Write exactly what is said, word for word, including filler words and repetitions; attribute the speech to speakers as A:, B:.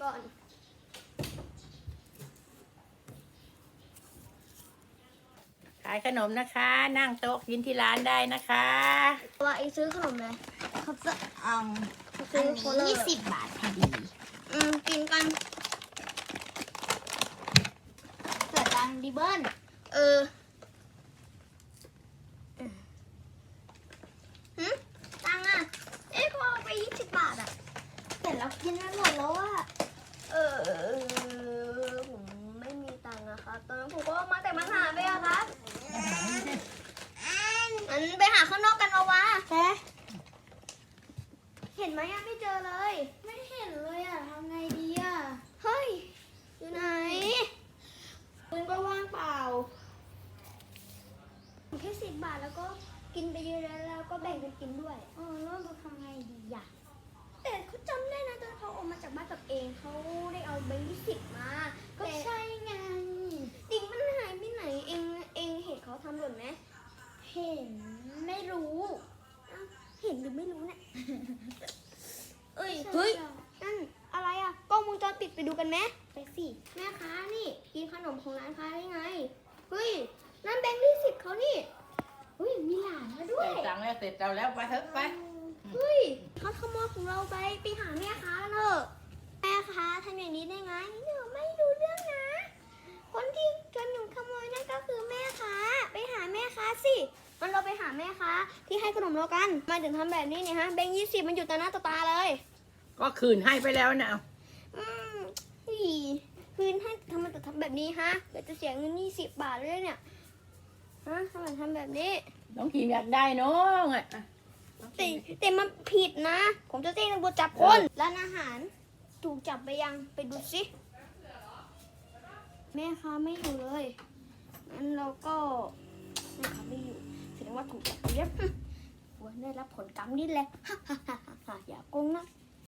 A: ก่อน
B: ขายขนมนะคะ นั่งโต๊ะกินที่ร้านได้นะคะ
A: ว่าไอซื้อขนมเลย
C: เขาจะเอา
A: อั
C: อันนี้ยี่สิบบาทพอดี
A: อืมกินกัน
C: เกิดตังดิเบิ้ล
A: เออหืมตังอ่ะเอ๊ะพอไปยี่สิบบาทอ่ะ
C: เสร็จแล้วกินไม่หมดแล้วอ่ะ
A: เออผมไม่มีตังค์อะครับตอนนั้นผมก็มาแต่มันหาไปอะครับงั้นไปหาข้างนอกกันเอาวะ
C: แค่
A: เห็นไหมอะไม่เจอเลย
C: ไม่เห็นเลยอ่ะทำไงดีอ่ะ
A: เฮ้ยอยู่ไหน
C: ปืนก็ว่างเปล่า
A: แค่สิบบาทแล้วก็กินไปเยอะแล้วแล้วก็แบ่งกันกินด้วย
C: เออแล้วเราทำไงดีอ่ะ
A: แต่เขาจำได้นะตอนเขาออกมาจากบ้านกับเองเขาได้เอาแบงค์ยี่สิบมา
C: ก็
A: แต่
C: ใช่ไง
A: ดิ่งมันหายไปไหนเองเองเห็นเขาทำหล่นไหม
C: เห็นไม่รู้
A: อ้าวเห็นหรือไม่รู้เนี่ย เอ้ย
C: ใช่
A: เฮ้ย
C: จ้ะ
A: นั่นอะไรอะกล้องวงจรปิดไปดูกันไหม
C: ไปสิ
A: แม่ค้านี่กินขนมของร้านค้าได้ไงเฮ้ยนั่นแบงค์ยี่สิบเขานี่เฮ้ยมีหลานมาด้วย
B: ใส่ตังค์แล้วเสร็จเราแล้วไปเถอะไป
A: เฮ้ยเขาขโมยของเราไปไปหาแม่ค้าเถอะแม่ค้าทำอย่างนี้ได้ไงหนูไม่รู้เรื่องนะ คนที่ชวนหนูขโมยนั่นก็คือแม่ค้าไปหาแม่ค้าสิมันเราไปหาแม่ค้าที่ให้ขนมเรากันมาถึงทำแบบนี้เนี่ยฮะแบงค์ยี่สิบมันอยู่ต่อหน้าต่อตาเลย
B: ก็คืนให้ไปแล้วนะเอา
A: อืมอีคืนให้ทำไมถึงทำแบบนี้ฮะเดี๋ยวจะเสียเงินยี่สิบบาทเลยเนี่ยฮะทำไมทำแบบนี้
B: น้องกีมอยากได้น้องอ่ะ
A: แต่แต่มันผิดนะ ผมจะแจ้งตำรวจจับคนร้านอาหารถูกจับไปยังไปดูสิแม่ค้าไม่อยู่เลยงั้นเราก็แม่ค้าไม่อยู่แสดงว่าถูกจับไปเย็บควรได้รับผลกรรมนี่แหละ อย่าโกงนะ